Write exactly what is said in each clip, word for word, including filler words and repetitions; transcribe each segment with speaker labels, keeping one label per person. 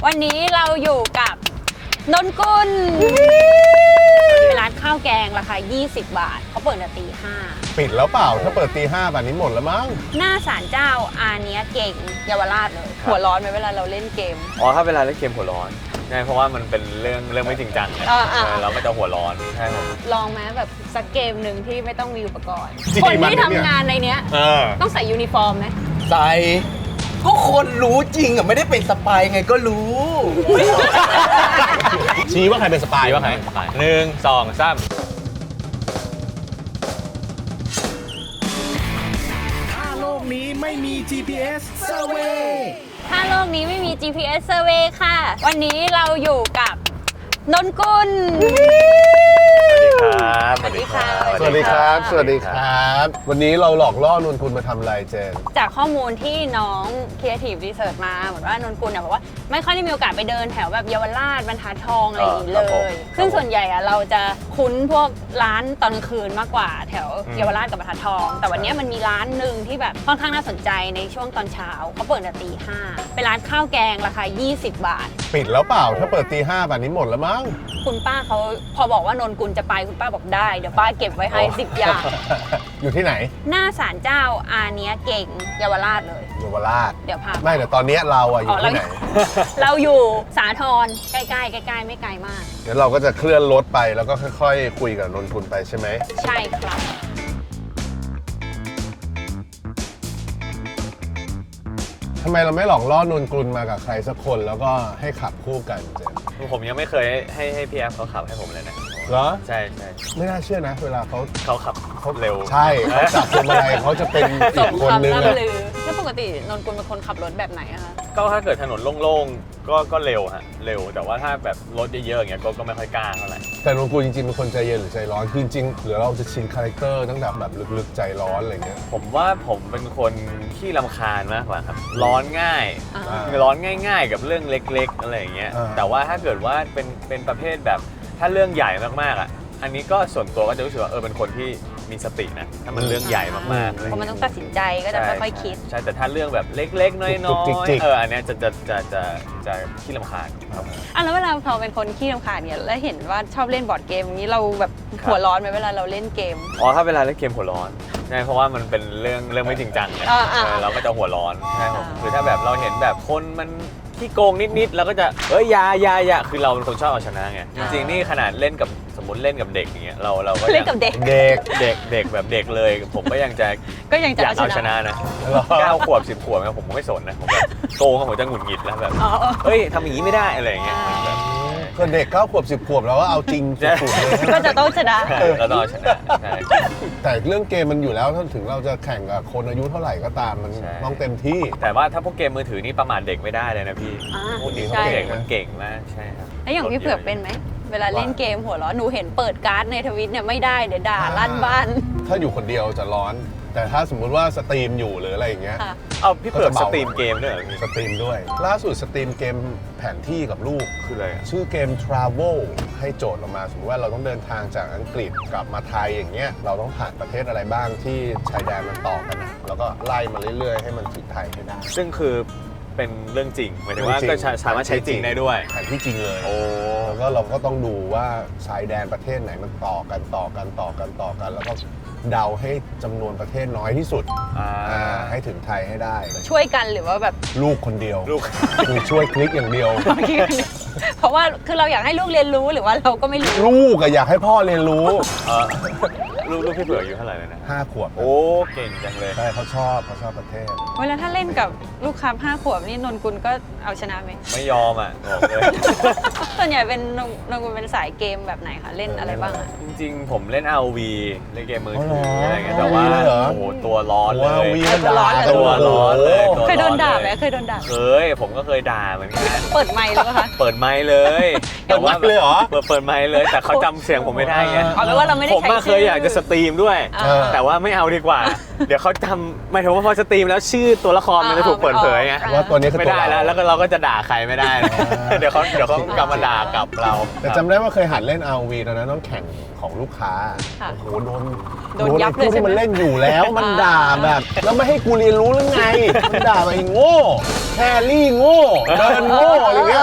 Speaker 1: วันนี้เราอยู่กับนนกุลเป็นร้านข้าวแกงราคายี่สิบบาทเขาเปิดตั้งแต่ตีห้า
Speaker 2: ปิดแล้วเปล่าถ้าเปิดตีห้าแบบนี้หมดแล้วมั้ง
Speaker 1: หน้าศาลเจ้าอาเนี้ยเก่งเยาวราชเลยหัวร้อนไหมเวลาเราเล่นเกม
Speaker 3: อ๋อถ้าเวลาเล่นเกมหัวร้อนใช่เพราะว่ามันเป็นเรื่องเรื่องไม่จริงจังไงเราก็จะหัวร้อนใช่ครับ
Speaker 1: ลองไหมแบบสักเกมหนึ่งที่ไม่ต้องมีอุปกรณ์คนที่ทำงานในเนี้ยต้องใส่ยูนิฟอร์มไหม
Speaker 4: ใส่ก็คนรู้จริงอ่ะไม่ได้เป็นสปายไงก็รู้
Speaker 2: ชี้ว่าใครเป็นสปาย
Speaker 3: ว่าใครเป็นสปายหนึ่งสองสาม
Speaker 5: ถ้าโลกนี้ไม่มี จี พี เอส Survey
Speaker 1: ถ้าโลกนี้ไม่มี จี พี เอส Survey ค่ะวันนี้เราอยู่กับนนกุล
Speaker 3: สวัสดีครับ
Speaker 2: สวัสดีครับ สวัสดีครับวันนี้เราหลอกล่อนนกุลมาทำอะไรเจน
Speaker 1: จากข้อมูลที่น้อง Creative Research มาเหมือนว่านนกุลเนี่ยบอกว่าไม่ค่อยได้มีโอกาสไปเดินแถวแบบเยาวราชบรรทัดทองอะไรอย่างนี้เลยซึ่งส่วนใหญ่อะเราจะคุ้นพวกร้านตอนกลางคืนมากกว่าแถวเยาวราชกับบรรทัดทองแต่วันนี้มันมีร้านหนึ่งที่แบบค่อนข้างน่าสนใจในช่วงตอนเช้าเขาเปิดตั้งแต่ตีห้าเป็นร้านข้าวแกงราคายี่สิบบาท
Speaker 2: ปิดแล้วเปล่าถ้าเปิดตีห้าแบบนี้หมดแล้วมั้ง
Speaker 1: คุณป้าเขาพอบอกว่านนกุลจะไปคุณป้าบอกได้เดี๋ยวป้าเก็บไว้ให้สิบอย่าง
Speaker 2: อยู่ที่ไหน
Speaker 1: หน้าศาลเจ้าอาเนี้ยเก่งเยาวราชเลย
Speaker 2: เยาวราช
Speaker 1: เดี๋ยวพา
Speaker 2: ไม่แต่ตอนนี้เราอะอยู่ที่ไหน
Speaker 1: เราอยู่สาทรใกล้ๆใกล้ๆไม่ไกลมาก
Speaker 2: เดี๋ยวเราก็จะเคลื่อนรถไปแล้วก็ค่อยๆคุยกับนนกุลไปใช่ไหม
Speaker 1: ใช่ครับ
Speaker 2: ทำไมเราไม่หลอกล่อนนกุลมากับใครสักคนแล้วก็ให้ขับคู่กันเจน
Speaker 3: ผมยังไม่เคยให้ให้พี่แอฟเขาขับให้ผมเลยนะ
Speaker 2: เหรอ
Speaker 3: ใช่ใช่
Speaker 2: ไม่น่าเชื่อนะเวลาเขา
Speaker 3: เขาขับเขาเร็ว
Speaker 2: ใช่เขาจับพวงมาลัยเขาจะเป็นอีกคนนึงอะ
Speaker 1: แล้วปกตินนกุลเป็นคนขับรถแบบไหนอะคะ
Speaker 3: ก็ถ้าเกิดถนนโล่งๆก็ก็เร็วฮะเร็วแต่ว่าถ้าแบบรถเยอะๆอย่างเงี้ยก็ก็ไม่ค่อยกล้าเท่าไหร่
Speaker 2: แต่นนกุลจริงๆเป็นคนใจเย็นหรือใจร้อนคือจริงๆหรือเราจะชินคาแรคเตอร์ตั้งแต่แบบลึกๆใจร้อนอะไรเงี้ย
Speaker 3: ผมว่าผมเป็นคนขี้รำคาญมากกว่าครับร้อนง่ายร้อนง่ายๆกับเรื่องเล็กๆอะไรอย่างเงี้ยแต่ว่าถ้าเกิดว่าเป็นเป็นประเภทแบบถ้าเรื่องใหญ่มากๆอ่ะอันนี้ก็ส่วนตัวก็จะรู้สึกว่าเออเป็นคนที่มีสตินะถ้ามันเรื่องใหญ่มากๆ
Speaker 1: เพราะมันต้องตัดสินใจก็จะค่อยๆคิด
Speaker 3: ใช่แต่ถ้าเรื่องแบบเล็กๆน้อยๆเอออันนี้จะจะจะจะจะขี้รำคาญครับ
Speaker 1: อ่ะแล้วเวลาเราเป็นคนขี้รำคาญเนี่ยแล้วเห็นว่าชอบเล่นบอร์ดเกมอย่างนี้เราแบบหัวร้อนไหมเวลาเราเล่นเกม
Speaker 3: อ๋อถ้าเวลาเล่นเกมหัวร้อนใช่เพราะว่ามันเป็นเรื่องเรื่องไม่จริงจังไงเราก็จะหัวร้อนใช่ครับคือถ้าแบบเราเห็นแบบคนมันที่โกงนิดๆแล้วก็จะเอ้ยยายายาคือเราเป็นคนชอบเอาชนะไงจริงๆนี่ขนาดเล่นกับสมมติเล่นกับเด็กอย่างเงี้ยเราเราก็
Speaker 1: เล่นกับเด็ก
Speaker 3: เด็กเด็กเด็กแบบเด็กเลยผมก็ยังจะ
Speaker 1: ก็ยังจะ
Speaker 3: เอาชนะนะเก้าขวบสิบขวบผมไม่สนนะผมแบบโกงผมจะหงุดหงิดแล้วแบบเฮ้ยทำอย่างนี้ไม่ได้อะไรอย่างเงี้ย
Speaker 2: ก็เด็กเก้าขวบสิบขวบแล้วว่าเอาจริงสุดๆเลย
Speaker 1: ก็จะต้องชนะ
Speaker 3: เราต้องชนะ
Speaker 2: แต่เรื่องเกมมันอยู่แล้วถึงเราจะแข่งกับคนอายุเท่าไหร่ก็ตามมันต้องเต็มที่
Speaker 3: แต่ว่าถ้าพวกเกมมือถือนี่ประมาทเด็กไม่ได้เลยนะพี่พวกนี้เขาเก่งมันเก่งมากใช่ครับ
Speaker 1: แล้วอย่างพี่เผือกเป็นไหมเวลาเล่นเกมหัวร้อนหนูเห็นเปิดการ์ดในทวิตเนี่ยไม่ได้เดี๋ยวด่าลั่นบ้าน
Speaker 2: ถ้าอยู่คนเดียวจะร้อนแต่ถ้าสมมุติว่าสตรีมอยู่หรืออะไรอย่างเงี้ย
Speaker 3: เอาพี่เผือกสตรีมเกมด้วย
Speaker 2: สตรีมด้วยล่าสุดสตรีมเกมแผนที่กับลูก
Speaker 3: คืออะไร
Speaker 2: ชื่อเกม Travel ให้โจทย์ออกมาสมมติว่าเราต้องเดินทางจากอังกฤษกลับมาไทยอย่างเงี้ยเราต้องผ่านประเทศอะไรบ้างที่ชายแดนมันต่อกันนะแล้วก็ไล่มาเรื่อยๆให้มันถึงไทยให้ได้
Speaker 3: ซึ่งคือเป็นเรื่องจริงหมายถึงว่าก็สามารถใช้จริงได้ด้วย
Speaker 2: แผนที่จริงเลย
Speaker 3: โอ้
Speaker 2: แล้วก็เราก็ต้องดูว่าชายแดนประเทศไหนมันต่อกันต่อกันต่อกันต่อกันแล้วก็เดาให้จำนวนประเทศน้อยที่สุดให้ถึงไทยให้ได้
Speaker 1: ช่วยกันหรือว่าแบบ
Speaker 2: ลูกคนเดียวลูกคือช่วยคลิกอย่างเดียว
Speaker 1: เพราะว่าคือเราอยากให้ลูกเรียนรู้หรือว่าเราก็ไม่รู้
Speaker 2: ลูกอะอยากให้พ่อเรียนรู้
Speaker 3: ลูกลูกพี่เผือกอยู่เท่าไหร่เลยนะ
Speaker 2: ห้าขวบ
Speaker 3: โอ้เก่งจังเลย
Speaker 2: ใช่เขาชอบเขาชอบประเทศ
Speaker 1: เวลาถ้าเล่นกับลูกค้าห้าขวบนี่นนกุลก็เอาชนะไหม
Speaker 3: ไม่ยอมอ่ะบอกเลย
Speaker 1: ส่วนใหญ่เป็นนนกุลเป็นสายเกมแบบไหนคะเล่นอะไรบ้างอ่ะ
Speaker 3: จริงๆผมเล่น อาร์ โอ วี เล่นเกมมือถืออะไรเงี้ยแต่ว่าโอ้โหตัวร้อนเลย
Speaker 2: ตัวร้อน
Speaker 3: ตัวร้อนเลย
Speaker 1: เคยโดนด่าไหมเคยโดนด่า
Speaker 3: เคยผมก็เคยด่าเหมือนกัน
Speaker 1: เปิดไมค์เลยคะ
Speaker 3: เปิดไมค์เลย
Speaker 2: เปิดไมค์เลยเหรอ
Speaker 3: เปิดเปิดไมค์เลยแต่เขาจำเสียงผมไม่ได้ไง
Speaker 1: เอาเป็นว่าเราไม่ได้
Speaker 3: ผมเคยอยากจะสตรีมด้วยแต่ว่าไม่เอาดีกว่าเดี๋ยวเขาจำไม่ถึงว่าพอสตรีมแล้วชื่อตัวละครมันจะถูกเปิดเผยไง
Speaker 2: ว่าตัวนี้คือ
Speaker 3: ไม่ได้แล้วแล้วก็เราก็จะด่าใครไม่ได้เดี๋ยวเขาเดี๋ยวเขากลับมาด่ากับเรา
Speaker 2: แต่จำได้ว่าเคยหัดเล่น อาร์ โอ วี ตอนนั้นต้องแข่งของลูกค้าโอ้โหโดน
Speaker 1: โดนยับเลย
Speaker 2: ที่มันเล่นอยู่แล้วมันด่าแบบแล้วไม่ให้กูเรียนรู้หรือไงมันด่าไปโง่แครี่โง่เดินโง่อะไรเงี้ย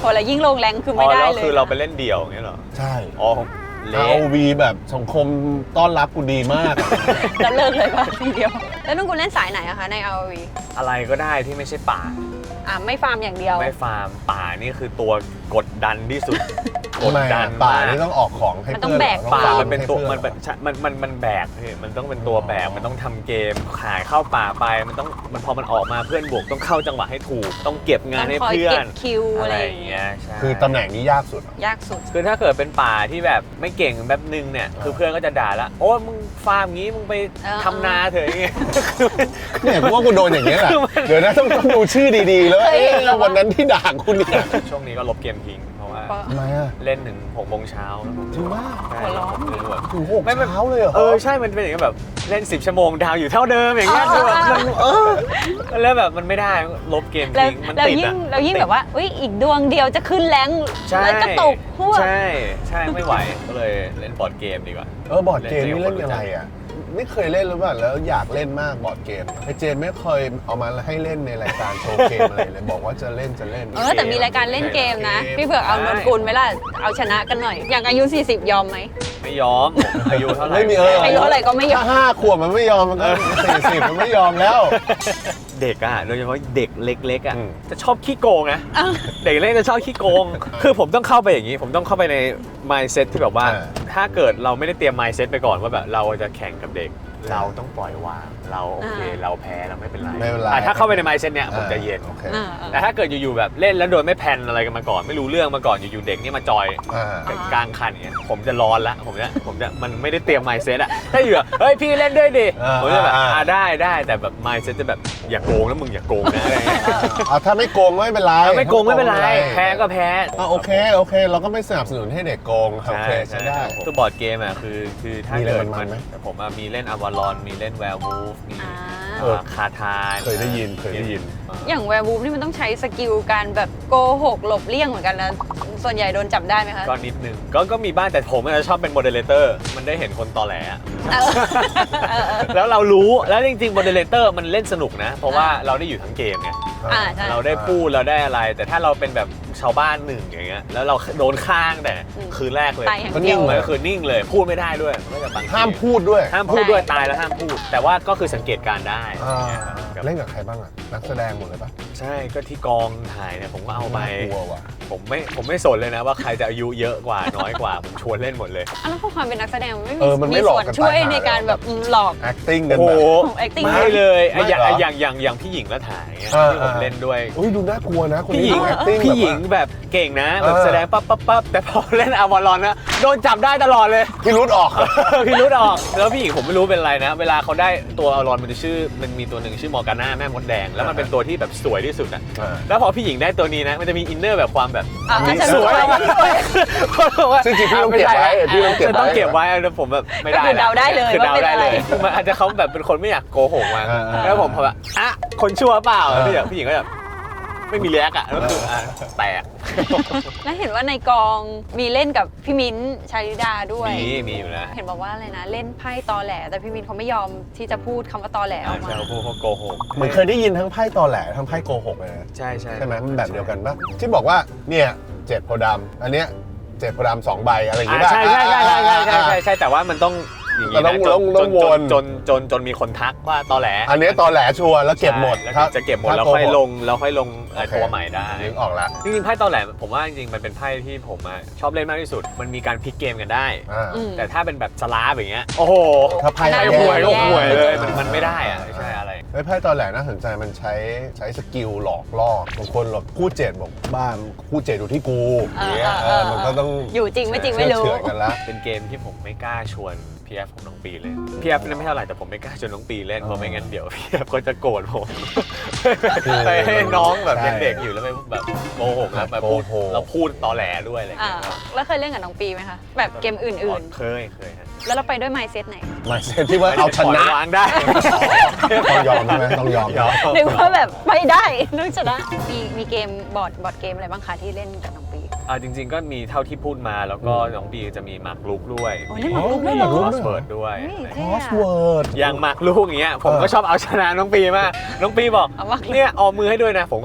Speaker 1: คนละยิ่งลงแรงคือไม่ได้
Speaker 3: อ๋อ
Speaker 1: เลย
Speaker 3: แล้วคือเราไปเล่นเดี่ยวอย่างเงี้ยเหรอ
Speaker 2: ใช่
Speaker 3: อ๋อเละ
Speaker 2: อาร์ โอ วี แบบสังคมต้อนรับกูดีมาก
Speaker 1: แล้วเลิกเลยป่ะทีเดียวแล้วนุ่นกุลเล่นสายไหนอะคะใน อาร์ โอ วี
Speaker 3: อะไรก็ได้ที่ไม่ใช่ป่า
Speaker 1: อ่ะไม่ฟาร์มอย่างเดียว
Speaker 3: ไม่ฟาร์มป่านี่คือตัวกดดันที่สุด กด
Speaker 2: ทำไม
Speaker 3: ดั
Speaker 2: อะ
Speaker 3: น
Speaker 2: ป่าม
Speaker 3: าก
Speaker 2: นี่ต้องออกของให้
Speaker 1: มันต้อ
Speaker 2: เพื่
Speaker 1: ง
Speaker 2: อน
Speaker 1: แบก
Speaker 2: หรอ
Speaker 3: ป่า
Speaker 2: อง
Speaker 3: มันเป็นตัว
Speaker 2: ให้
Speaker 3: มัน
Speaker 2: พื่
Speaker 3: เป็นมันมันมันแบกพี่มันต้องเป็นตัวแบกมันต้องทำเกมขายเข้าป่าไปมันต้องมันพอมันออกมาเพื่อนบวกต้องเข้าจังหวะให้ถูกต้องเก็บงานให้
Speaker 1: ต้องคอย
Speaker 3: เพื่อ
Speaker 1: เก็
Speaker 3: น
Speaker 1: บคิวอะไรอย่างเงี้ย
Speaker 3: ใช่
Speaker 2: คือตำแหน่งนี้ยากสุด
Speaker 1: ยากสุด
Speaker 3: คือถ้าเกิดเป็นป่าที่แบบไม่เก่งแบบนึงเนี่ยคือเพื่อนก็จะด่าละโอ้มึงฟาร์มงี้มึงไป
Speaker 1: เออ
Speaker 3: ทำนาเถอะอย่างเงี้ย
Speaker 2: เนี่ยกูว่ากูโดนอย่างเงี้ยแหละเดี๋ยวนะต้องต้องดูชื่อดีๆ แล้ว
Speaker 1: เคย
Speaker 2: เอ๊ะ
Speaker 1: เห็นแล้ว
Speaker 2: วันนั้นที่ด่าคุณเนี่ย
Speaker 3: ช่วงนี้ก็ลบเกมทิ้งเพราะว่า
Speaker 1: เพราะ
Speaker 2: ทำไมอ่ะ
Speaker 3: เล่นถึงหกโมงเช้าแล้วผม
Speaker 2: จริงมาก
Speaker 3: ใช่
Speaker 1: หัวร้อน
Speaker 3: ผมเลยแบบ
Speaker 2: ถึงหก
Speaker 3: ไม่ไม่
Speaker 2: เช้าเลยเหรอ
Speaker 3: เออใช่มันเป็นอย่างนี้แบบเล่นสิบชั่วโมงดาวอยู่เท่าเดิมอย่างเงี้ยคือแบบมันเออแล้วแบบมันไม่ได้ลบเกม
Speaker 1: แล้ว
Speaker 3: ทิ้งมัน
Speaker 1: แล้ว
Speaker 3: ติด
Speaker 1: ยิ่ง
Speaker 3: อะ
Speaker 1: แล้วยิ่ง
Speaker 3: ติด
Speaker 1: แบบว่าอุ้ยอีกดวงเดียวจะขึ้นแรง
Speaker 3: ใช่
Speaker 1: แล้วก็ตกพวก
Speaker 3: ใช่ใช่ไม่ไหวก็เลยเล่นบอร์ดเกมดีกว่า
Speaker 2: เออบอร์ดเกมนี่
Speaker 3: เล่
Speaker 2: เล่
Speaker 3: น
Speaker 2: น
Speaker 3: เกม
Speaker 2: อะไรอ่ะไม่เคยเล่นหรือเปล่าแล้วอยากเล่นมากบอร์ดเกมไอเจนไม่เคยเอามาให้เล่นในรายการโชว์เกมอะไรเลยบอกว่าจะเล่นจะเล่น
Speaker 1: เออแต่มีรายการเล่นเกมนะ พี่เผือกเอานนกุลไหมล่ะเอาชนะกันหน่อย อย่างอายุ สี่สิบ ยอมไหม
Speaker 3: ไม่ยอมผมอายุเท่าไหร่
Speaker 2: ไม่มีเออ
Speaker 1: อายุเท่าไหร่ก็ไม่ยอม
Speaker 2: ถ้าห้าขวบมันไม่ยอมมันก็สี่สิบมันไม่ยอมแล้ว
Speaker 3: เด็กอะโดยเฉพาะเด็กเล็กๆอะ
Speaker 2: อืม
Speaker 3: จะชอบขี้โกงนะ
Speaker 1: อ้าว
Speaker 3: เด็กเล็กจะชอบขี้โกง คือผมต้องเข้าไปอย่างนี้ ผมต้องเข้าไปใน mindset ที่แบบว่า
Speaker 2: อ่า
Speaker 3: ถ้าเกิดเราไม่ได้เตรียม mindset ไปก่อนว่าแบบเราจะแข่งกับเด็ก เราต้องปล่อยวาง เราโอเค
Speaker 1: อ่า
Speaker 3: เราแพ้เราไม่เป็นไร
Speaker 2: ไม่เป็นไร
Speaker 3: อ่ะถ้าเข้าไปใน mindset เนี้ยผมจะเย็น
Speaker 2: โอเค
Speaker 1: อ่า
Speaker 3: แต่ถ้าเกิดอยู่ๆแบบเล่นแล้วโดยไม่แพลนอะไรกันมาก่อน ไม่รู้เรื่องมาก่อนอยู่ๆเด็กนี่มาจอย
Speaker 2: อ่า
Speaker 3: กลางคันอย่างเงี้ยผมจะร้อนละผมจะผมจะมันไม่ได้เตรียม mindset อะถ้าอยู่แบบเฮ้ยพี่เล่นด้วยดิ
Speaker 2: อ่า
Speaker 3: ผมจะแบบ
Speaker 2: อ่า
Speaker 3: อ่าได้ได้แต่แบบ mindset จะแบบอย่าโกงแล้วมึงอย่าโกงนะอะไรเงี้ย
Speaker 2: เอาถ้าไม่โกงก็ไม่เป็นไร
Speaker 3: เอาไม่โกงไม่เป็นไรแพ้ก็แพ้
Speaker 2: อ่ะโอเคโอเค เราก็ไม่สนับสนุนให้เด็กโกงโอเคใช้ได้
Speaker 3: คือบอร์ดเกมอ่ะคือคือถ้า
Speaker 2: มีอะไร
Speaker 3: เกิด
Speaker 2: มั
Speaker 3: มัน
Speaker 2: นๆไหม
Speaker 3: ผมอะมีเล่นอวารอนมีเล่นแวร์วูฟมี
Speaker 1: อ่า
Speaker 2: เออ
Speaker 3: คาทาย
Speaker 2: เคยได้ยินเคยได้ยิน
Speaker 1: อย่างแวร์วูฟนี่มันต้องใช้สกิลการแบบโกหกหลบเลี่ยงเหมือนกันนะ ส่วนใหญ่โดนจับได้ไหมคะ
Speaker 3: ก็นิดนึงก็ก็มีบ้างแต่ผมอะชอบเป็นโมเดเลเตอร์มันได้เห็นคนตอแหลอะ
Speaker 1: เออเออเออ
Speaker 3: แล้วเรารู้แล้วจริงๆโมเดเลเตอร์มันเล่นสนุกนะ เพราะว่าเราได้อยู่ทั้งเกมไง
Speaker 1: อ่าใช่
Speaker 3: เราได้พูดเราได้อะไร แต่ถ้าเราเป็นแบบชาวบ้านหนึ่งอย่างเงี้ยแล้วเราโดนข้างแต่
Speaker 1: อืม
Speaker 3: คืนแรกเลย
Speaker 1: ตายอย่าง
Speaker 2: ก็
Speaker 1: เดียว
Speaker 2: นิ่ง
Speaker 3: มัน
Speaker 2: เลย
Speaker 3: ก็คือนิ่งเลยพูดไม่ได้ด้วยมันก็จะบางที
Speaker 2: ห้ามพูดด้วย
Speaker 3: ห้ามพูดด้วยตายแล้วห้ามพูด แต่ว่าก็คือสังเกตการณ์ได้
Speaker 2: อ่า
Speaker 3: ครับ
Speaker 2: เล่นกับใครบ้างอ่ะ นักแสดงหมดเลยปะ
Speaker 3: ใช่ก็ที่กองถ่ายเนี่ยผมก็เอาไป
Speaker 2: น่กลัวว่ะ
Speaker 3: ผมไม่ผมไม่สนเลยนะว่าใครจะอายุเยอะกว่าน้อยกว่า ผมชวนเล่นหมดเลย
Speaker 1: อันนั้นพวกความเป็นนักแสดงมันไม่
Speaker 2: เออมันไม่
Speaker 1: มี
Speaker 2: หลอก
Speaker 1: ส่วน
Speaker 2: กัน
Speaker 1: ช่วย
Speaker 2: ตายหา
Speaker 1: ในการแบบอืมหลอก
Speaker 2: acting กัน
Speaker 3: โอ้
Speaker 2: แบ
Speaker 3: โห
Speaker 2: บ
Speaker 1: ของ acting
Speaker 3: ไม่เลยไอ้อย่าง
Speaker 2: ไม่เหรอ
Speaker 3: อย่างอย่างอย่างพี่หญิงแล้วถ่ายเงี้ย
Speaker 2: อ่า
Speaker 3: ที่ผมเล่นด้วย
Speaker 2: อุ้ยดูน่ากลัวนะคน
Speaker 3: พี่ห
Speaker 2: นี้
Speaker 3: ญิง
Speaker 2: acting
Speaker 3: พี่หญิง
Speaker 2: แบบว่า
Speaker 3: แบบเก่งนะแบบ
Speaker 2: เออ
Speaker 3: แสดงปั๊บปั๊บปั๊บแต่พอเล่นอวารอนนะโดนจับได้ตลอดเลย
Speaker 2: พี่รุดออก
Speaker 3: พี่รุดออกแล้วพี่หญิงผมไม่รู้เป็นอะไรนะ เวลาเขาได้ตัวอวารอนมันจะชื่อมันมีตัวหนึ่งชื่อมอร์กาน่าแม่มดแดงแล้วมันเป็นตัวที่แบบสวยที่สุดอะ
Speaker 2: อ่า
Speaker 3: แล้วพอพี่หญิงได้ตัวนี้นะมันจะมีอินเนอร์แบบความแบบ
Speaker 1: อ่ะ
Speaker 2: มี
Speaker 1: ฉัน
Speaker 2: สวย
Speaker 1: สวย
Speaker 2: ซึ่งจริงๆพี่ต้องเก็บไว้พี่ต้องเก็บไว้
Speaker 3: ต้องเก็บไว้แล้วผมแบบไม่ได้
Speaker 1: ก็คือเดาได้เลย
Speaker 3: คือ
Speaker 1: ว่า
Speaker 3: เดา
Speaker 1: เป็น
Speaker 3: ได้
Speaker 1: อะไร
Speaker 3: เลยคือมันอาจจะเขาแบบเป็นคนไม่อยากโกหกมา
Speaker 2: อ่าอ่า
Speaker 3: แล้วผมพอแบบอ่ะคนชั่วเปล่า
Speaker 2: อ่า
Speaker 3: พี่แบบพี่หญิงก็แบบไม่มีแลกอ่ะก็คืออ่ะแตก
Speaker 1: แล้วเห็นว่าในกองมีเล่นกับพี่มิ้นท์ชาลิดาด้วย
Speaker 3: มีมีอยู่นะ
Speaker 1: เห็นบอกว่าอะไรนะเล่นไพ่ตอแหล แต่พี่มิ้นท์เขาไม่ยอมที่จะพูดคำว่าตอแหลออกมา
Speaker 3: ใช่พวกเขาโกหก
Speaker 2: เหมือนเคยได้ยินทั้งไพ่ตอแหลทั้งไพ่โกหกเลยนะ
Speaker 3: ใช่ใช่
Speaker 2: ใช่ไหมมันแบบเดียวกันปะที่บอกว่าเนี่ยเจ็ดโพธิ์ดำอันเนี้ยเจ็ดโพธิ์ดำสองใบอะไรอย่าง
Speaker 3: อ่า
Speaker 2: เงี้ย
Speaker 3: ใช่ใช่ใช่ใช่ใช่ใช่ใช่ใช่แต่ว่ามันต้องอย่างนี้นะ
Speaker 2: เราต้อง
Speaker 3: จน
Speaker 2: ต้อง
Speaker 3: จ
Speaker 2: วน
Speaker 3: จนจนจนมีคนทักว่าตอแหล
Speaker 2: อันเนี้ยตอแหลชัวร์แล้วเก็บหมด
Speaker 3: ใช่แล้ว
Speaker 2: ถ้า
Speaker 3: จะเก็บหมด
Speaker 2: ถ้า
Speaker 3: แล้ว
Speaker 2: โกหก
Speaker 3: ค่อยลงแล้วค่อยลงเอ่อ
Speaker 2: โอเค
Speaker 3: ตัวใหม่ได้
Speaker 2: นึกออกแล้ว
Speaker 3: จริงๆไพ่ตอแหลผมว่าจริงๆมันเป็นไพ่ที่ผมอะชอบเล่นมากที่สุด มันมีการพลิกเกมกันได้
Speaker 2: อ่า
Speaker 1: อืม
Speaker 3: แต่ถ้าเป็นแบบสลาฟอย่างเงี้ยโอ้โห
Speaker 2: ถ้าไพ่
Speaker 3: ไพ่
Speaker 1: แย่
Speaker 3: หวยก็
Speaker 1: แย่
Speaker 3: หวยเลย
Speaker 2: แย่
Speaker 3: มันมันไม่ได้อะไม่ใช่อะไร
Speaker 2: ไอ้ไพ่ตอแหลน่าสนใจมันใช้ใช้สกิลหลอกล่อบางคนหลอกคู่เจ็ดบอกบ้านคู่เจ็ดอยู่ที่กูอย่างเงี้ยเออมันก็ต้อง
Speaker 1: อยู่จริงไม่จริงไม่รู้
Speaker 2: เชื่อกันละ
Speaker 3: เป็นเกมที่ผมไม่กล้าชวนพี่แอฟของน้องปีเล่นพี่แอฟนั่นไม่เท่าไหร่แต่ผมไม่กล้าชวนน้องปีเล่นเพราะไม่งั้นเดี๋ยวพี่แอฟก็จะโกรธผมไปให้น้องแบบยังเด็กอยู่แล้วไปแบบโกหกแล้วแบบพูดแล้วพูดตอแหลด้วยอะไรอย่าง
Speaker 1: อ่า
Speaker 3: เงี้ย
Speaker 1: แล้วเคยเล่นกับน้องปีไหมคะ แบบเกมอื่น
Speaker 3: เคยเคยฮะ
Speaker 1: ๆ แล้วเราไปด้วยไมซ์เซตไหน
Speaker 2: หมายเซนที่ว่าเอาชนะ
Speaker 3: วางได้
Speaker 2: ต้องยอมใช่ไหมต้องยอม
Speaker 3: ยอม
Speaker 1: นึกว่าแบบไม่ได้นึกชนะ มีมีเกมบอร์ดบอร์ดเกมอะไรบ้างคะที่เล่นกับน้องปี
Speaker 3: อ่าจริง ๆ ก็มีเท่าที่พูดมาแล้วก็น้องปีจะมีหมากรุกด้วย
Speaker 1: โอ้เล่นหมากรุกด้วยเหรอ
Speaker 3: คอสเวิร์ดด้วย
Speaker 1: เฮ้ย
Speaker 2: ค
Speaker 1: เท่
Speaker 2: อส
Speaker 1: อะ
Speaker 2: เวิร์ด
Speaker 3: อย่างหมากรุกอย่างเงี้ยผมก็
Speaker 2: เออ
Speaker 3: ชอบเอาชนะน้องปีมากน้องปีบอก
Speaker 1: เอาหมากรุก
Speaker 3: เนี่ยออมมือให้ด้วยนะผมก็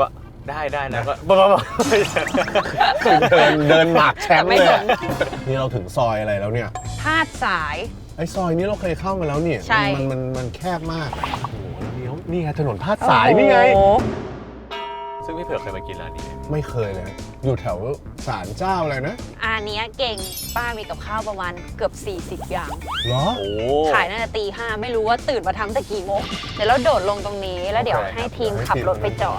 Speaker 3: ได้ได้แล้วก็บ้า
Speaker 2: เดินเดินหมากแชมป์
Speaker 1: ไม่
Speaker 2: เลย
Speaker 1: ส
Speaker 2: อะ
Speaker 1: น
Speaker 2: นี่เราถึงซอยอะไรแล้วเนี่ย
Speaker 1: ธาตุสาย
Speaker 2: ไอ้ซอยนี้เราเคยเข้ามาแล้วเนี่ย
Speaker 1: ใช่
Speaker 2: มันมันมันแคบมากโอ้โหแล้วเลี้ยวนี่ไงถนนพาดสายนี่ไง
Speaker 1: โอ้โห
Speaker 3: ซึ่งพี่เผือกเคยมากินร้านนี้ไหม
Speaker 2: ไม่เคยเลย อยู่แถวศาลเจ้าอะไรนะ
Speaker 1: อันเนี้ยเก่งป้ามีกับข้าวประมาณเกือบ สี่สิบ อย่าง
Speaker 2: เหรอ
Speaker 3: โอ้
Speaker 1: ขายตั้งแต่ตีห้าไม่รู้ว่าตื่นมาทำแต่กี่โมงเดี๋ยวเราโดดลงตรงนี้แล้วเดี๋ยว
Speaker 2: โอเค
Speaker 1: ให้ทีม
Speaker 2: ให้
Speaker 1: ขับ
Speaker 2: ทีม
Speaker 1: รถไปจอด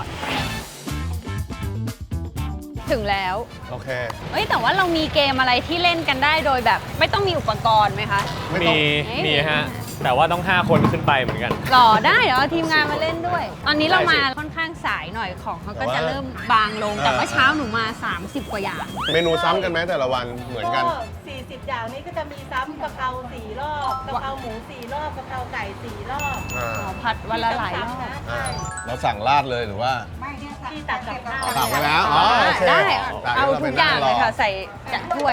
Speaker 1: ถึงแล้ว
Speaker 2: โอเค
Speaker 1: เอ้ยแต่ว่าเรามีเกมอะไรที่เล่นกันได้โดยแบบ ไม่ต้องมีอุปกรณ์ไหมคะ
Speaker 2: ไม่ต้อง
Speaker 3: มี
Speaker 1: เอ๊ะ
Speaker 3: มีฮะ แต่ว่าต้อง ห้า คนขึ้นไปเหมือนกัน
Speaker 1: หรอได้เดี๋ยวเอาทีมงานมาเล่นด้วย ตอนนี้เรา
Speaker 3: ได้สิ
Speaker 1: มาค่อนข้างสายหน่อยของเขาก็
Speaker 2: แต่ว่า
Speaker 1: จะเริ่มบางลงแต่ว่า
Speaker 2: อ่า
Speaker 1: เช้าหนูมา สามสิบ กว่าอย่าง
Speaker 2: เมนูซ้ำกันไหมแต่ละวันเหมือนกัน
Speaker 6: สี่สิบ อย่างนี้ก็จะมีซ้ำกะเพราสี่รอบกะเพราหมูสี่รอบกะเพราไก่สี่รอบ
Speaker 2: อ่า
Speaker 1: ผัดวันละหลายรอบ
Speaker 6: ซ้ำๆนะ
Speaker 2: อ่า
Speaker 6: ใช่
Speaker 2: เราสั่งราดเลยหรือว่า
Speaker 6: ที่ตักกับข้าว
Speaker 2: สั่งไปแล้ว อ๋อโอเค
Speaker 1: ได้
Speaker 2: สั่ง
Speaker 1: เอา
Speaker 2: แล้วร
Speaker 1: ทุ
Speaker 2: ไป
Speaker 1: กอย่าง
Speaker 2: นั่ร
Speaker 1: เลยค่ะใส่จัดถ้วย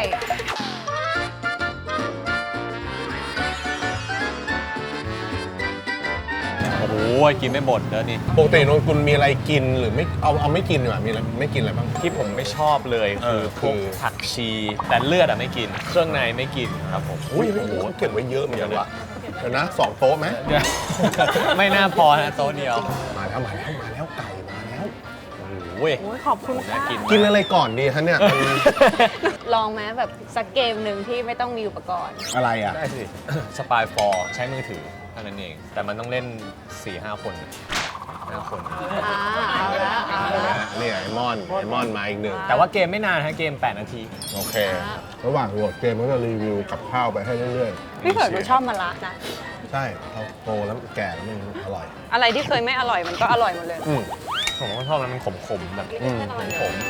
Speaker 3: โอ้โหกินไม่หมดแล้วนี่
Speaker 2: ปกตินนคุณมีอะไรกินหรือไม่เอาเอาไม่กินดีกว่ามีอะไรไม่กินอะไรบ้าง
Speaker 3: ที่ผมไม่ชอบเลย
Speaker 2: เอ
Speaker 3: คือ
Speaker 2: อ
Speaker 3: พวก
Speaker 2: คือ
Speaker 3: ผักชี แต่เลือดอะไม่กิน เครื่องในไม่กินครับผม
Speaker 2: อุ้ยโอ้โหเก็บไว้เยอะเหมือนกันว่ะเดี๋ยวนะสองโต๊ะไหม
Speaker 3: เดี๋ยวไม่น่าพอนะโต๊ะเดียว
Speaker 2: มาแล้วมาแล้วมาแล้วไก่มาแล้ว
Speaker 3: โอ้โห
Speaker 1: โอ้ยขอบคุณ
Speaker 3: น่า
Speaker 1: ค่ะ
Speaker 3: กิน
Speaker 2: กินอะไรก่อนดีคะเนี่ย
Speaker 1: ลองไหมแบบสักเกมหนึ่งที่ไม่ต้องมีอุปกรณ์
Speaker 2: อะไรอ่ะ
Speaker 3: ได้สิ สปายฟอร์ใช้มือถือเท่านั้นเอง แต่มันต้องเล่น สี่ห้า คนห้าคน
Speaker 1: อ่าเอาละเอาละ
Speaker 2: นี่ไอมอนไอมอนมาอีกหนึ่ง
Speaker 3: แต่ว่าเกมไม่นานฮะเกม แปด นาที
Speaker 2: โอเค ระหว่างโหลดเกมก็จะรีวิวกับข้าวไปให้เรื่อยๆ
Speaker 1: พี่เผิร์ดหนูชอบมะระนะ
Speaker 2: ใช่เราโตแล้วแก่แล้วมันอร่อย
Speaker 1: อะไรที่เคยไม่อร่อยมันก็อร่อยหมดเลย
Speaker 2: อืม
Speaker 3: ผมก็ชอบมันขมๆแบบ
Speaker 2: อืม
Speaker 3: ขม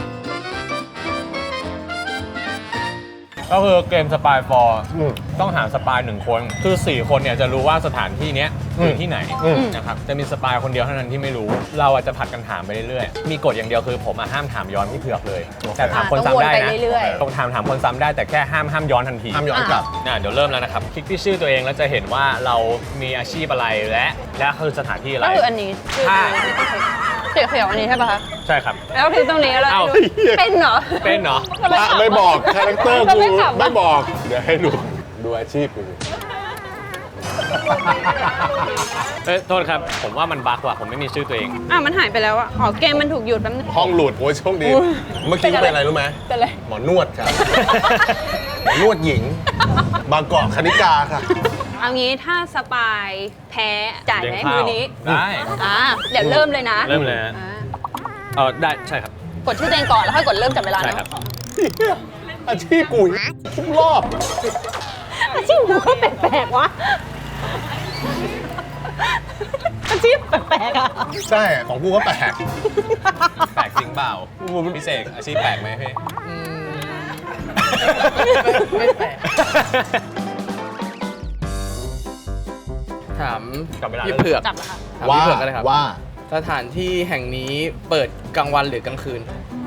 Speaker 3: ก็คือเกมสปายฟอร์
Speaker 2: อืม
Speaker 3: ต้องหาสปายหนึ่งคน คือ สี่ คนเนี่ยจะรู้ว่าสถานที่เนี้ยอยู่ที่ไหน
Speaker 2: อืม
Speaker 3: นะครับ จะมีสปายคนเดียวเท่านั้นที่ไม่รู้ เราอาจจะผัดกันถามไปเรื่อยๆ มีกฎอย่างเดียวคือผมอะห้ามถามย้อนพี่เผือกเลย แต่ถามคน
Speaker 1: ต้องวน
Speaker 3: ซ้ำได้
Speaker 1: ไป
Speaker 3: นะ
Speaker 1: เรื่อย
Speaker 3: ต้องถามถามคนซ้ำได้แต่แค่ห้ามห้ามย้อนทันที
Speaker 2: ห้ามย้อนกลับ
Speaker 3: อ่ะเดี๋ยวเริ่มแล้วนะครับ คลิกที่ชื่อตัวเองแล้วจะเห็นว่าเรามีอาชีพอะไรและและคือสถานที่
Speaker 1: ๆ
Speaker 3: อะไร
Speaker 1: ก็คืออันนี้ชื่อ
Speaker 3: ถ้า
Speaker 1: เขียวเขียวๆอันนี้ใช่ป่ะคะ
Speaker 3: ใช่ครับ
Speaker 1: แล้วคือตรงนี้แล้ว
Speaker 3: เอ้า
Speaker 1: เป็นเหรอ
Speaker 3: เป็นเหรอ
Speaker 1: ก็เลยถา
Speaker 2: ไม่บอกคาแรคเตอร์
Speaker 1: ก็
Speaker 2: กู
Speaker 1: เลยถามว่า
Speaker 2: ไม่บอก เดี๋ยวให้ดูดูอาชีพกู
Speaker 3: เอ้ยโทษครับ ผมว่ามันบั๊กว่ะผมไม่มีชื่อตัวเอง
Speaker 1: อ่ะมันหายไปแล้วอ่ะอ๋อเกมมันถูกหยุดแป๊บนึง
Speaker 2: ห้องหลุดโอ้ยโชคดี
Speaker 1: อุ๊ย
Speaker 2: เมื่อกี้เป็นอะไรรู้ไหม
Speaker 1: เป็นไร
Speaker 2: หมอนวดครับ หมอนวดหญิง บางกอกคณิกาค่ะ
Speaker 1: เอางี้ถ้าสปายแพ้จ่ายไหม
Speaker 3: เลี้ยงข้าว
Speaker 1: มือนี้
Speaker 3: ได้
Speaker 1: อ่าเดี๋ยวเริ่มเลยนะ
Speaker 3: เริ่มเลยฮะ
Speaker 1: อ่า
Speaker 3: เออได้ใช่ครับ
Speaker 1: กดชื่อตัวเองก่อนแล้วค่อยกดเริ่มจับเวลา
Speaker 3: ใช่
Speaker 1: เนาะ
Speaker 3: ครับ
Speaker 2: อาชีพกูทุกรอบ
Speaker 1: อาชีพหนูก็แปลกๆวะอาชีพแปลกๆอ่ะ
Speaker 2: ใช่ของกูก็แปลก
Speaker 3: แปลกจริงเปล่าพี่เสกอาชีพแปลกไหมพี่
Speaker 4: ไม่แปลก ถาม
Speaker 3: กลับเวลา
Speaker 4: พี่เผือก
Speaker 1: จับแล้วค่ะ
Speaker 4: ถาม
Speaker 2: ว่า
Speaker 4: พี่เผือกกันเลยครับ
Speaker 2: ว่า
Speaker 4: สถานที่แห่งนี้เปิดกลางวันหรือกลางคืน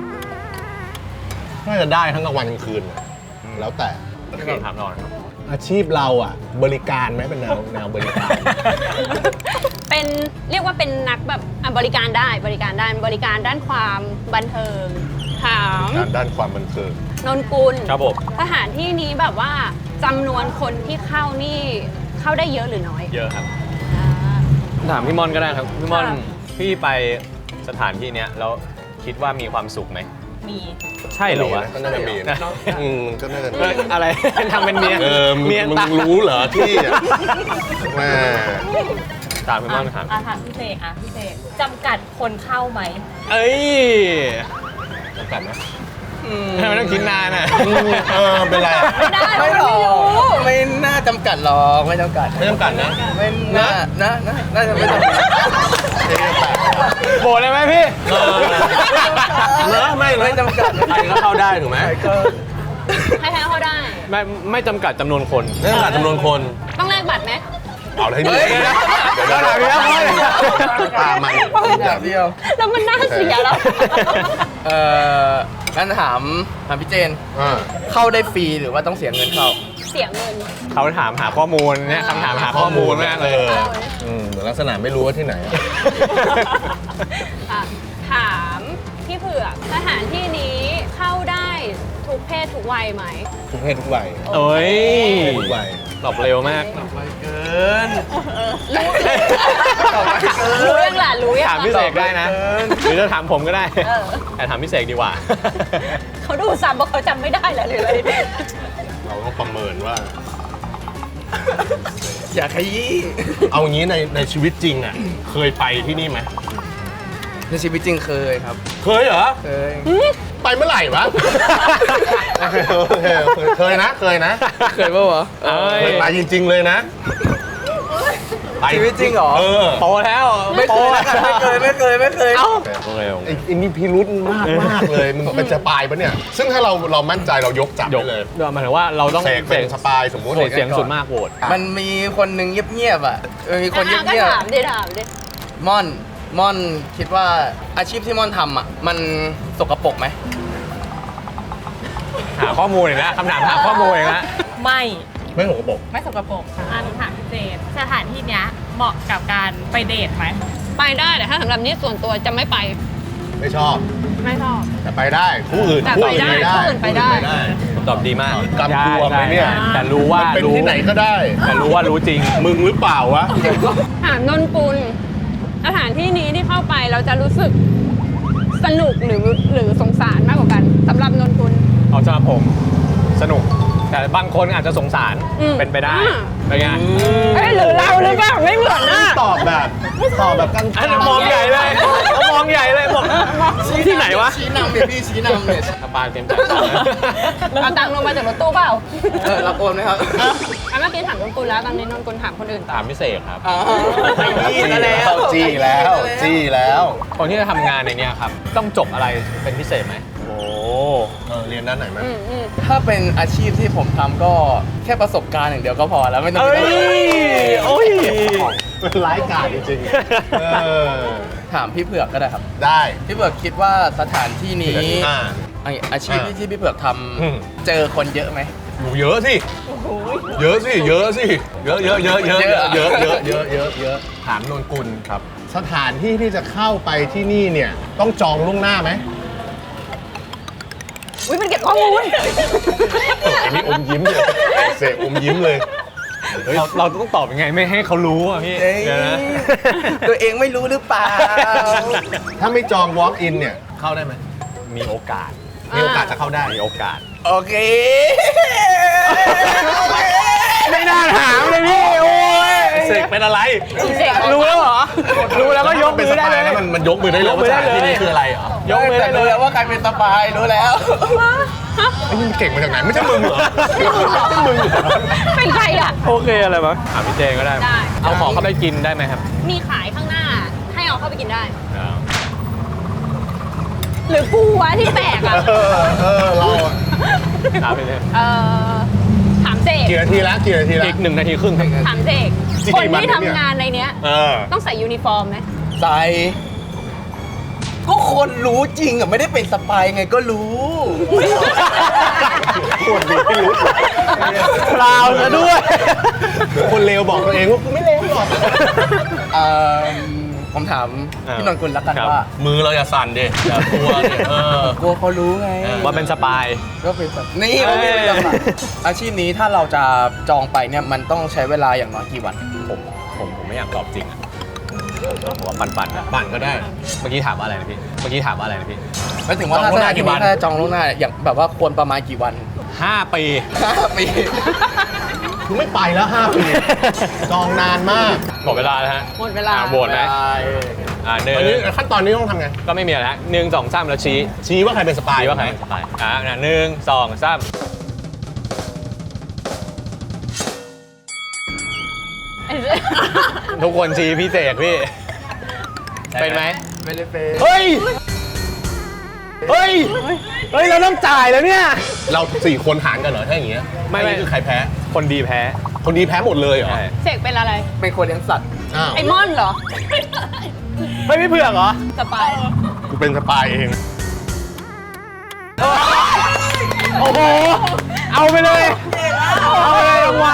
Speaker 2: น่าจะได้ทั้งกลางวันกลางคืน แล้วแต่
Speaker 3: พี่ถามนอนครับ
Speaker 2: อาชีพเราอ่ะ บริการไหมเป็นแนวแนวบริการ
Speaker 1: เป็นเรียกว่าเป็นนักแบบอ่ะบริการได้บริการด้านบริการด้านความบันเทิงถาม
Speaker 2: ด้านด้านความบันเทิง
Speaker 1: นนกุล
Speaker 3: ครับผม
Speaker 1: สถานที่นี้แบบว่าจำนวนคนที่เข้านี่เข้าได้เยอะหรือน้อย
Speaker 3: เยอะครับ
Speaker 1: อ่า
Speaker 3: ถามพี่ม่อนก็ได้ครับ พี่ม่อน
Speaker 1: ค่ะ
Speaker 3: พี่ไปสถานที่เนี้ยแล้วคิดว่ามีความสุขไหม
Speaker 6: มี
Speaker 3: ใช่เหรอวะ
Speaker 2: ก็น่าจะมีนะอืมก็น่าจะ
Speaker 3: เอ้ยอะไร ทำเป็นเมีย
Speaker 2: เออมึง
Speaker 3: เมีย
Speaker 2: มึง
Speaker 3: ตา
Speaker 2: รู้เหรอที่อ่ะแม่
Speaker 3: ตามพี่ม่อนครับ
Speaker 6: อ่ะถามพี่เสกอ่ะพี่เสกจำกัดคนเข้าไหม
Speaker 3: เอ้ย
Speaker 2: จำกัดไหม
Speaker 3: ทำไมต้องคิดนานอ่ะ
Speaker 2: อืมเออเป็นไรอ่ะ
Speaker 1: ไม่ได้
Speaker 4: ไม่
Speaker 1: ไม่
Speaker 4: หรอ
Speaker 1: รู้
Speaker 4: กไม่น่าจำกัดหรอกไม่จำกัด
Speaker 2: ไม่จำกัดนะ
Speaker 4: ไม่น่านะนะน่าจะไม่จำกัด
Speaker 2: ไม่จำกัด
Speaker 3: โบดเลยไหมพี่
Speaker 2: เออเนอะไม่
Speaker 4: ไม่จำกัด
Speaker 2: ใครก็เข้าได้ถูกไหม
Speaker 4: ก็
Speaker 1: ให้ใครเข้าได้
Speaker 3: ไม่ไม่จำกัดจำนวนคน
Speaker 2: ไม่จำกัดจำนวนคน
Speaker 1: ต้องแลกบัตรไหม
Speaker 2: เอาเลยดิ
Speaker 4: เฮ้ย
Speaker 2: เดี๋ยวเดี๋ยว
Speaker 3: เดี๋ยวเดี๋ยวเดี๋ยว
Speaker 2: ตามมัน
Speaker 4: อย่างเดียว
Speaker 1: แล้วมันน่าเสียแล้ว
Speaker 4: เอ่องั้นถามถามพี่เจน
Speaker 2: อ่า
Speaker 4: เข้าได้ฟรีหรือว่าต้องเสียเงินเข้า
Speaker 1: เสียเงิน
Speaker 3: เขาถามหาข้อมูลเนี่ยคำถามหาข้อมูลมากเลย
Speaker 2: อออืมเหมือนลักษณะไม่รู้ว่าที่ไหนอะ
Speaker 1: อ่ะถามผือกสถานที่นี้เข้าได้ทุกเพศทุกวัยไหม
Speaker 2: ทุกเพศทุกวัย
Speaker 3: โอ้ย
Speaker 2: ทุกวัย
Speaker 3: ตอบเร็วมาก
Speaker 4: เกิน
Speaker 1: รู้ยังล่ะรู้ยัง
Speaker 3: ถามพี่เสกได้นะ หรือจะถามผมก็ได้
Speaker 1: เออ
Speaker 3: แต่ถามพี่เสกดีกว่า
Speaker 1: เขาดูซ้ำเพราะเขาจำไม่ได้แหละหรืออะไร
Speaker 2: เราต้องประเมินว่า
Speaker 4: อย่าขยี้
Speaker 2: เอางี้ในในชีวิตจริงอ่ะ เคยไปที่นี่ไหม
Speaker 4: ในชีวิตจริงเคยครับ
Speaker 2: เคยเหรอ
Speaker 4: เคย
Speaker 2: ไปเมื่อไหร่วะ โอเคโอเคโอเคเคยนะ เคยนะ
Speaker 4: เคยป่าวะ
Speaker 3: เอ้ย
Speaker 2: เคยไปจริง ๆ เลยนะไป
Speaker 4: ชีวิตจริงเหรอ
Speaker 2: เออ
Speaker 3: โตแล้ว
Speaker 4: ไม่เคยนะไม่เคยไม่เคยไม่เคย
Speaker 3: เอ้าเร็ว
Speaker 2: ไอ้ไอ้นี่พิรุธมากมากเลย มึงเป็นสปายปะเนี่ย ซึ่งถ้าเราเรามั่นใจเรายกจับ
Speaker 3: ย
Speaker 2: ได้
Speaker 3: ก
Speaker 2: เลย
Speaker 3: เดี๋ยวหมายถึงว่าเราต้อง
Speaker 2: เสกเป็นสปายสมมุติ
Speaker 3: โหวตเสียงสุดมากโหวต
Speaker 4: มันมีคนหนึ่งเงียบๆอ่ะเออมีคนเ
Speaker 1: อ่ะก็
Speaker 4: งียบ
Speaker 1: ถามดิถามดิ
Speaker 4: ๆม่อนม่อนคิดว่าอาชีพที่ม่อนทำอ่ะมันสกปรกไหม
Speaker 3: หาข้อมูลอีกแล้วคำถามหาข้อมูลอีกแล้ว
Speaker 7: ไม่
Speaker 2: ไม่หัวกระบอก
Speaker 7: ไม่สกปรกอ่ะหนูถามพี่เจนสถานที่เนี้ยเหมาะกับการไปเดทไหม
Speaker 1: ไปได้แต่ถ้าสำหรับนี้ส่วนตัวจะไม่ไป
Speaker 2: ไม่ชอบ
Speaker 1: ไม่ชอบ
Speaker 2: แต่ไปได้คู่อื่น
Speaker 1: แต่
Speaker 2: คู่
Speaker 1: ไป
Speaker 2: อื่น
Speaker 1: ได้
Speaker 2: ไปได้
Speaker 1: คู่อื่นไปได้
Speaker 2: คู่อื่น
Speaker 3: ตอบดีมาก
Speaker 2: กำกวมไหมเนี่ย
Speaker 3: ใช่แต่รู้ว่า
Speaker 2: มันเป็น
Speaker 3: รู้
Speaker 2: ที่ไหนก็ได้
Speaker 3: แต่รู้ว่ารู้จริง
Speaker 2: มึงหรือเปล่าวะ
Speaker 1: ถามนนกุลสถานที่นี้ที่เข้าไปเราจะรู้สึกสนุกหรือหรือสงสารมากกว่ากันสำหรับนนกุล
Speaker 3: เอาสำหรับผมสนุก แต่บางคนอาจจะสงสาร
Speaker 1: อืม
Speaker 3: เป็นไปได้
Speaker 1: อ่า
Speaker 3: เป็นไง
Speaker 1: เอ้ยหรือเราหรือเปล่าไม่เหมือนนะ
Speaker 2: ตอบแบบตอบแบบกัน
Speaker 3: อันนั้นมองใหญ่เลยเขามองใหญ่เลยบอกที่ไหนวะ
Speaker 4: ชี้นำเนี่ยพี่ชี้นำเนี่ย
Speaker 3: สปาเต็มใจ
Speaker 1: เอาตังค์ลงมาจากรถตู้เปล่า
Speaker 4: เออรับโอนไหมครับ
Speaker 1: อ่ะเมื่อกี้ถามนนกุลแล้วตอนนี้นนกุลถามคนอื่นต่อ
Speaker 3: ถามพิเศษครับ
Speaker 4: อ๋อไปจี้
Speaker 2: จี้
Speaker 4: ซะ
Speaker 2: แล้
Speaker 4: แล้ว ว
Speaker 2: จี้แล้วจี้แล้ว
Speaker 3: คนที่จะทำงานในเนี้ยครับ ต้องจบอะไรเป็นพิเศษไหมโอ้
Speaker 2: เออเรียนด้านไหนไหม
Speaker 1: อืมอืม
Speaker 4: ถ้าเป็นอาชีพที่ผมทำก็แค่ประสบการณ์อย่างเดียวก็พอแล้วไม่ต้อง
Speaker 3: เอ้ยโอ้ย
Speaker 2: เป็นร้ายกาจจริงๆเออ
Speaker 4: ถามพี่เผือกก็ได้ครับ
Speaker 2: ได้
Speaker 4: พี่เผือกคิดว่าสถานที่นี้
Speaker 2: อ่า
Speaker 4: ไอ้อาชีพ
Speaker 2: อ่า
Speaker 4: ที่พี่เผือกท
Speaker 2: อืม
Speaker 4: ำเจอคนเยอะไหม
Speaker 2: อยู่เยอะสิ เยอะสิ เยอะสิ เยอะเยอะเยอะเยอะเยอะเยอะเยอะเยอะเยอะเยอะถามนนกุลครับ สถานที่ที่จะเข้าไปที่นี่เนี่ยต้องจองล่วงหน้าไหม
Speaker 1: อุ้ยมันเก็บข้อมูล
Speaker 2: อันนี้อมยิ้มเลยเสกอมยิ้มเลย
Speaker 3: เราเราต้องตอบยังไงไม่ให้เขารู้อ่ะพี่
Speaker 4: เอ้ย
Speaker 3: เดี๋ยวนะ
Speaker 4: ตัวเองไม่รู้หรือเปล่า
Speaker 2: ถ้าไม่จอง walk in เนี่ยเข้าได้ไหม
Speaker 3: มีโอกาส
Speaker 2: มีโอกาสจะเข้าได้
Speaker 3: มีโอกาส
Speaker 4: โอเค
Speaker 3: ไม่น่าถามเลยพี่ โอ้ย
Speaker 2: เสกเป็นอะไร
Speaker 3: รู้แล้วเหรอ รู้แล้วก็ยก
Speaker 2: เป็น
Speaker 3: มื
Speaker 2: ส
Speaker 3: อได้
Speaker 2: ปา
Speaker 3: เลย ย
Speaker 2: แล้วมันมันยกมือได้เลย
Speaker 3: ยกมื
Speaker 2: ว่า
Speaker 3: อ
Speaker 2: ส
Speaker 3: ได้
Speaker 2: ถานที่
Speaker 3: เลย
Speaker 2: นี้คืออะไรเหรอย
Speaker 3: กมือได้
Speaker 4: แต่
Speaker 3: เล
Speaker 4: รู้
Speaker 3: ย
Speaker 4: แล้วว่าใครเป็นสปายรู้แล้ว
Speaker 2: ไอ้นี่มันเก่งมาจากไหนไม่ใช่มึงเหรอไม่ใช่มึงเหรอ
Speaker 1: เป็นใครอ่ะ
Speaker 3: โอเคอะไรมั้งถามพี่เจนก็ได้
Speaker 1: ได้
Speaker 3: เอาของเข้าไปกินได้ไหมครับ
Speaker 1: มีขายข้างหน้า ให้เอาเข้าไปกินได้
Speaker 3: อ้าว
Speaker 1: หรือกูวะที่แปลกอ่ะ
Speaker 2: เออเออเราอะ
Speaker 3: ถามไปเลย
Speaker 1: เออถามเจก
Speaker 2: กี่นาทีแล้วกี่นาทีแล้ว
Speaker 3: อีกหนึ่งนาทีครึ่งครับ
Speaker 1: ถามเจก
Speaker 2: จริง
Speaker 1: คน
Speaker 2: มัน
Speaker 1: ที่
Speaker 2: เนี่ย
Speaker 1: ทำงานในเนี้ย
Speaker 2: เออ
Speaker 1: ต้องใส่ยูนิฟอร์มไหม
Speaker 4: ใส่ก็คนรู้จริงอ่ะไม่ได้เป็นสปายไงก็รู้
Speaker 2: คนดีไม่รู้
Speaker 3: เปล่าซะด้วย
Speaker 2: เดี๋ยวคนเลวบอกตัวเองว่ากูไม่เลวหรอก
Speaker 4: เอ่อผมถาม
Speaker 3: อ่า
Speaker 4: พี่นนท์กุลแล้วกัน
Speaker 3: ครับ
Speaker 4: ว่า
Speaker 2: มือเราอย่าสั่นดิอย่ากลัวดิเออก
Speaker 4: ลัวเขารู้ไง
Speaker 3: ว่าเป็นสปาย
Speaker 4: ก็เป็นแบบนี่ไม่เป็นสปายอาชีพนี้ถ้าเราจะจองไปเนี่ยมันต้องใช้เวลาอย่างน้อยกี่วัน
Speaker 3: ผมผมผมไม่อยากตอบจริงอ่ะผมว่าปันปันๆอะ
Speaker 2: ปั่นก็ได้
Speaker 3: เมื่อกี้ถามว่าอะไรนะพี่ เมื่อกี้ถามว่าอะไรนะพี่
Speaker 4: หมายถึงว่า
Speaker 2: จอง
Speaker 4: ถ้า
Speaker 2: ล่วง
Speaker 4: ส
Speaker 2: หน้า
Speaker 4: ถาน
Speaker 2: กี่
Speaker 4: ที่
Speaker 2: วั
Speaker 4: นี้
Speaker 2: น
Speaker 4: ถ้าจองล่วงหน้าอย่างแบบว่าควรประมาณกี่วัน
Speaker 3: ห้าปี
Speaker 4: ห้าปี
Speaker 2: กูไม่ไปแล้วห้าปีจองนานมาก
Speaker 3: หมดเวลาแล้วฮะ
Speaker 1: หมดเวลา
Speaker 3: อ่ะโหวตไหมอ่าหนึ่ง
Speaker 2: ตอนนี้ขั้นตอนนี้ต้องทำไง
Speaker 3: ก็ไม่มีอะไรฮะหนึ่งสองสามแล้วชี้
Speaker 2: ชี้ว่าใครเป็นสปาย
Speaker 3: ชี้ว่าใครสปายอ่าหนึ่งสองสาม ทุกคนชี้พี่เสกพี่ เป็นไหม
Speaker 4: ไม่ได้เป็น
Speaker 3: เฮ้ย เฮ้ย เฮ้ย เราต้องจ่ายแล้วเนี่ย
Speaker 2: เราสี่คนหารกันเหรอถ้าอย่างเงี้ย
Speaker 3: ไม่ไม่
Speaker 2: อันนี้คือใครแพ้
Speaker 3: คนดีแพ้
Speaker 2: คนดีแพ้หมดเลยเหรอ
Speaker 3: ใช่
Speaker 1: เสกเป็นอะไร
Speaker 4: เป็นคนเลี้ยงสัตว์
Speaker 2: อ้าว
Speaker 1: ไอมอนเหรอ
Speaker 3: ไม่ไม่เผือกเหรอ
Speaker 1: สปาย
Speaker 2: กูเป็นสปายเอง
Speaker 3: โอ้โห เอาไปเลย เอาไปเลยรางวัล
Speaker 1: เรา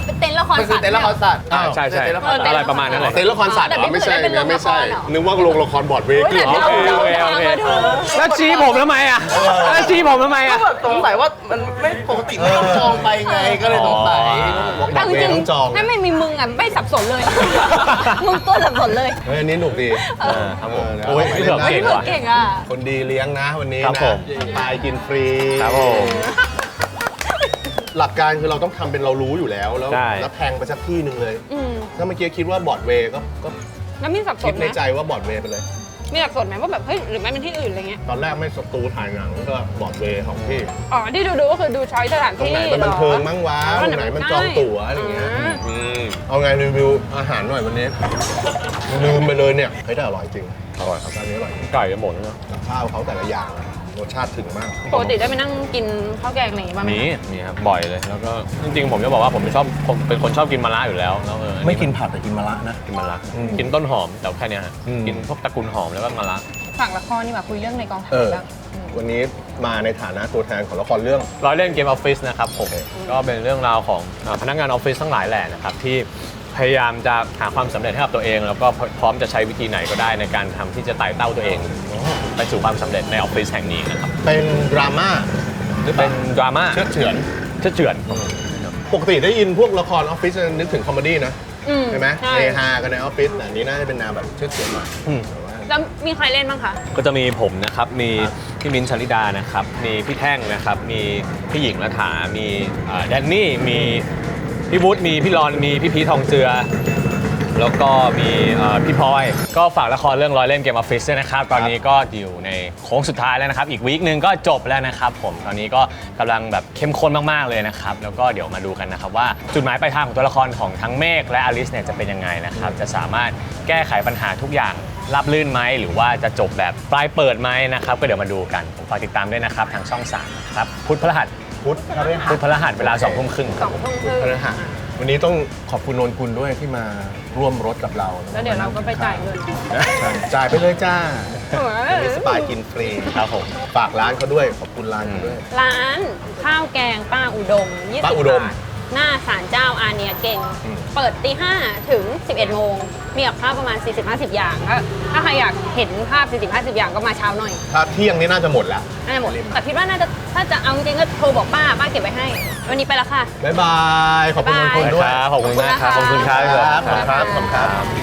Speaker 1: เป็นเต็นท์ละคร
Speaker 4: มันคื
Speaker 1: สั
Speaker 4: อ
Speaker 1: ตว์
Speaker 4: เต็นท์ละครสัตว์
Speaker 2: อ้าว
Speaker 3: ใช่ใช่
Speaker 4: เต็นท์ละครสัตว์
Speaker 3: อะไรประมาณนั้นแหละ
Speaker 2: เต้นละครสัตว์เหรอไม่ใช่นะไม่ใช่นึกว่าโรงละครบอร์ดเวย์
Speaker 1: โอ้ยแต่
Speaker 2: เหรอ
Speaker 1: เรา
Speaker 3: โอเค
Speaker 1: เรา
Speaker 3: โอเค
Speaker 1: เราดู
Speaker 3: แล้วชี้ผมทำไมอ่ะแล้วชี้ผมทำไม
Speaker 4: ก็
Speaker 3: อ่ะ
Speaker 4: แบบสงสัยว่ามันไม่ปกติไม่ต้องจองไปไงก็เลยสงสัย
Speaker 2: บอกบอ
Speaker 1: เอา
Speaker 2: ร์ด
Speaker 1: จ
Speaker 2: เว
Speaker 1: ริ
Speaker 2: ย์
Speaker 1: ง
Speaker 2: ต้องจอง
Speaker 1: ๆถ้าไม่มีมึงอ่ะไม่สับสนเลย มึงตัวสับสนเลย
Speaker 2: เฮ้ยอันนี้หนุกดี
Speaker 3: เออครับผม
Speaker 2: เดี๋ยว
Speaker 3: โอ้ย
Speaker 2: เอาไป
Speaker 3: พี่เผือก
Speaker 2: เล่น
Speaker 3: เก่ง
Speaker 1: เผือก
Speaker 3: ว่ะ
Speaker 1: เก่งอ่ะ
Speaker 2: คนดีเลี้ยงนะวันนี้
Speaker 3: ครับ
Speaker 2: นะ
Speaker 3: ผม
Speaker 2: ตายกินฟรี
Speaker 3: ครับผม
Speaker 2: หลักการคือเราต้องทำเป็นเรารู้อยู่แล้วแล้ว
Speaker 3: ใช่
Speaker 2: แล้วแพงไปสักที่หนึ่งเลย
Speaker 1: อืม
Speaker 2: ถ้าเมื่อกี้คิดว่าบอร์ดเวย์ก็ก็
Speaker 1: แล้วมีสับส
Speaker 2: คิ
Speaker 1: น
Speaker 2: ด
Speaker 1: ไหม
Speaker 2: ในใจว่าบอร์ดเวย์ไปเลย
Speaker 1: มีสับสนไหมว่าแบบเฮ้ยหรือไม่เป็นที่อื่นอะไรเงี้ย
Speaker 2: ตอนแรกไม่สตูถ่ายหนังก็บอร์ดเวย์ของพี่
Speaker 1: อ๋อที่ดูดูก็คือดูช้อยสถาน
Speaker 2: ตรง
Speaker 1: ที่
Speaker 2: ไหนมันบันเทิงมั่งวะ
Speaker 1: อ๋อ
Speaker 2: ตรงไหนมันจองตั๋วอะไรอย่างเงี้ย
Speaker 1: อ่า
Speaker 2: อืมเอาไงรีวิวอาหารหน่อยวันนี้ลืมไปเลยเนี่ยเฮ้ยแต่อร่อยจริงอร่อยครับร้านนี้อร่อยจริง
Speaker 3: ไก่จะหมดแล้ว
Speaker 2: กับข้าวเขาแต่ละอย่างรสชาติถึงมาก
Speaker 1: ปกติได้ไปนั่งกินข้าวแกงอะไรอย่างงี้บ้างไหม
Speaker 3: มีมีครับบ่อยเลยแล้วก็จริงๆผมจะบอกว่าผมชอบผมเป็นคนชอบกินมะระอยู่แล้วแล้วเอออั
Speaker 2: ไม่กินผักแต่กินมะระนะ
Speaker 3: กินมะระ
Speaker 2: อืม
Speaker 3: กินต้นหอมแต่แค่เนี้ยฮะ
Speaker 2: อืม
Speaker 3: กินพวกตระกูลหอมแล้วก็มะระ
Speaker 1: ฝากละครนี่มาคุยเรื่องในกองถ่า
Speaker 2: เอย อ
Speaker 1: บ้าง
Speaker 2: วันนี้มาในฐานะตัวแทนของละครเรื่อง
Speaker 3: ร้อยเล่นเกมออฟฟิศนะครับผม
Speaker 2: โอเค
Speaker 3: ก็เป็นเรื่องราวของอ่าพนักงานออฟฟิศทั้งหลายแหละนะครับที่พยายามจะหาความสำเร็จให้กับตัวเอง แล้วก็พร้อมจะใช้วิธีไหนก็ได้ในการทำที่จะไต่เต้าตัวเองไปสู่ความสำเร็จในออฟฟิศแห่งนี้นะครับ
Speaker 2: เป็นดราม่าหรือเปล่า
Speaker 3: เป็นดราม่า
Speaker 2: เชื่อเฉือน
Speaker 3: เชื่อเฉือน
Speaker 2: ปกติได้ยินพวกละครออฟฟิศจะนึกถึงคอมเมดี้นะ
Speaker 1: อืม
Speaker 2: ใช่ไหม
Speaker 1: ใช่
Speaker 2: เฮฮากันในออฟฟิศแต่อันนี้น่าจะเป็นแนวแบบเชื่อเฉือนหน่อย
Speaker 3: อืม
Speaker 2: แต่ว่า
Speaker 1: แล้วมีใครเล่นบ้างคะ
Speaker 3: ก็จะมีผมนะครับ มี
Speaker 2: ครับ
Speaker 3: พี่มิ้นท์ชลิดานะครับ มีพี่แท่งนะครับ มีพี่หญิงรัฐามีเอ่อแดนนี่ มีพี่วุฒิมีพี่รอน มีพี่พีททองเจือ แล้วก็มีเอ่อพี่พลอย ก็ฝากละครเรื่องร้อยเล่นเกมออฟฟิศด้วยนะครับ ตอนนี้ก็อยู่ในโค้งสุดท้ายแล้วนะครับ อีกวีคหนึ่งก็จบแล้วนะครับผม ตอนนี้ก็กำลังแบบเข้มข้นมากๆเลยนะครับ แล้วก็เดี๋ยวมาดูกันนะครับว่าจุดหมายปลายทางของตัวละครของทั้งเมฆและอลิสเนี่ยจะเป็นยังไงนะครับ จะสามารถแก้ไขปัญหาทุกอย่างราบรื่นไหมหรือว่าจะจบแบบปลายเปิดไหมนะครับ ก็เดี๋ยวมาดูกันผมฝากติดตามด้วยนะครับทางช่องสามนะครับพุธพฤหัส
Speaker 2: พุทธพฤหั
Speaker 3: พุ
Speaker 2: ส
Speaker 3: ธพฤหัสเวลาสองทุ่มครึ่ง
Speaker 1: สองทุ่มครึ่ง
Speaker 2: พฤหัสวันนี้ต้องขอบคุณนนกุลด้วยที่มาร่วมรถกับเรา
Speaker 1: แล้วเดี๋ยวเราก็ไปจ่ายเงิน
Speaker 2: ใช่จ่ายไปเลยจ้า
Speaker 1: เออ
Speaker 2: วันนี้สปายกินฟรี
Speaker 3: ครับผม
Speaker 2: ฝากร้านเขาด้วยขอบคุณร้านเขาด้วย
Speaker 1: ร้านข้าวแกงป้าอุดมยี่สิบ
Speaker 2: ป้าอุดม
Speaker 1: บาทหน้าศาลเจ้าอาเนียเก่ง
Speaker 2: อืม
Speaker 1: เปิดตีห้าถึง สิบเอ็ดโมง มีกับข้าวประมาณ สี่สิบห้าสิบ อย่างถ้าถ้าใครอยากเห็นภาพ สี่สิบห้าสิบ อย่างก็มาเช้าหน่อย
Speaker 2: ถ้าเที่ยงนี้น่าจะหมดแล้ว
Speaker 1: น่าจะหมด แต่คิดว่าน่าจะถ้าจะเอาจริงๆก็โทรบอกป้า ป้าเก็บไว้ให้ วันนี้ไปแล้วค่ะ
Speaker 2: บ๊ายบาย ขอบคุณนนกุล
Speaker 3: ได้
Speaker 2: ด้วย
Speaker 3: ครับขอบคุณมากครับขอบคุณครับ
Speaker 2: ครับขอบคุณครับขอบคุณครับ